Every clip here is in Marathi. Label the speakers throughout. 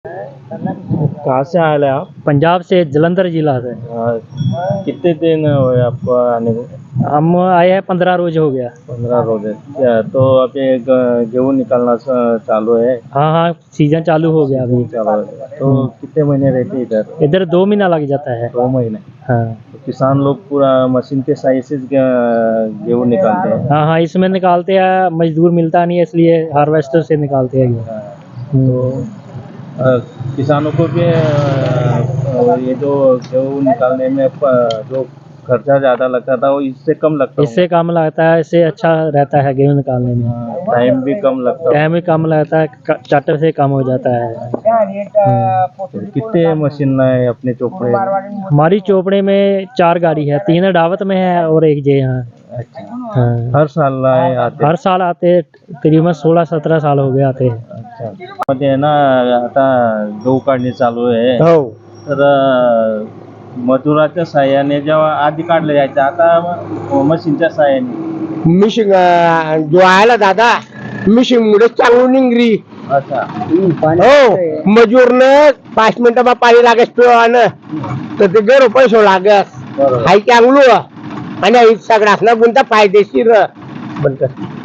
Speaker 1: कहाँ से आए हैं आप?
Speaker 2: पंजाब से, जलंधर जिला से।
Speaker 1: कितने दिन हुए आपको आने को?
Speaker 2: हम आए हैं 15 रोज हो गया।
Speaker 1: 15 रोज है क्या? तो अभी गेहूँ निकालना चालू है?
Speaker 2: हाँ हाँ, सीजन चालू हो गया अभी।
Speaker 1: चालू है। तो कितने महीने रहते इधर?
Speaker 2: इधर 2 महीना लग जाता है।
Speaker 1: 2 महीने।
Speaker 2: हाँ
Speaker 1: तो किसान लोग पूरा मशीन के सहायता से गेहूँ निकालते हैं।
Speaker 2: हाँ हाँ, इसमें निकालते हैं, मजदूर मिलता नहीं है इसलिए हार्वेस्टर से निकालते हैं।
Speaker 1: तो किसानों को भी ये जो गेहूँ निकालने में जो खर्चा ज़्यादा लगता था वो इससे कम लगता
Speaker 2: इससे कम लगता है, इससे अच्छा रहता है गेहूँ निकालने में।
Speaker 1: टाइम भी कम लगता
Speaker 2: टाइम भी कम लगता है, चार्टर से कम हो जाता है।
Speaker 1: कितने मशीन है अपने चोपड़े?
Speaker 2: हमारी चोपड़े में 4 गाड़ी है, 3 डावत में है और एक जे यहाँ। हाँ।
Speaker 1: हर साल आते?
Speaker 2: हर साल आते, करीबन 16-17 साल हो गए आते हैं।
Speaker 1: अच्छा, मध्ये आहे ना आता गहू काढणी चालू आहे,
Speaker 2: हो,
Speaker 1: तर मजुराच्या साहाय्याने जेव्हा आधी काढलं जायचं, आता मशीनच्या साहाय्याने.
Speaker 3: मिशिंग जो आहे ना दादा, मिशिंग मुळे चांगली निंगरी.
Speaker 1: अच्छा,
Speaker 3: हो, मजूरनं 5 मिनिटं पाणी लागेस पिवानं तर ते गैर पैसे लागस.
Speaker 1: बरोबर.
Speaker 3: हाय चांगलं आणि सगळ्यासना गुंता फायदेशीर म्हणत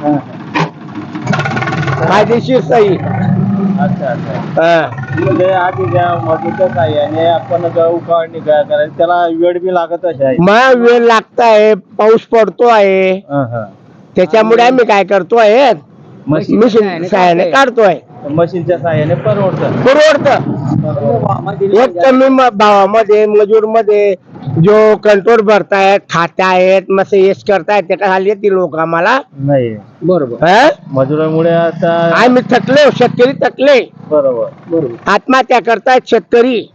Speaker 3: फायदेशीर सही.
Speaker 1: अच्छा अच्छा. म्हणजे आधी ज्या मजूरच्या साहाय्याने आपण गहू काढणी करायची, त्याला वेळ बी लागत आहे.
Speaker 3: मग वेळ लागताय, पाऊस पडतो आहे, त्याच्यामुळे आम्ही काय करतोय, मिशिंग साह्याने काढतोय.
Speaker 1: मशीनच्या साहाय्याने परवडतं.
Speaker 3: एक कमी भावामध्ये मजूर मध्ये जो कंट्रोल भरतायत, खातायत, मग येस करतायत, त्याच्या खाली ती लोक आम्हाला
Speaker 1: नाही
Speaker 3: बरोबर
Speaker 1: मजुरामुळे आता
Speaker 3: आम्ही थकले, शेतकरी थकले,
Speaker 1: बरोबर
Speaker 3: आत्महत्या करतायत शेतकरी.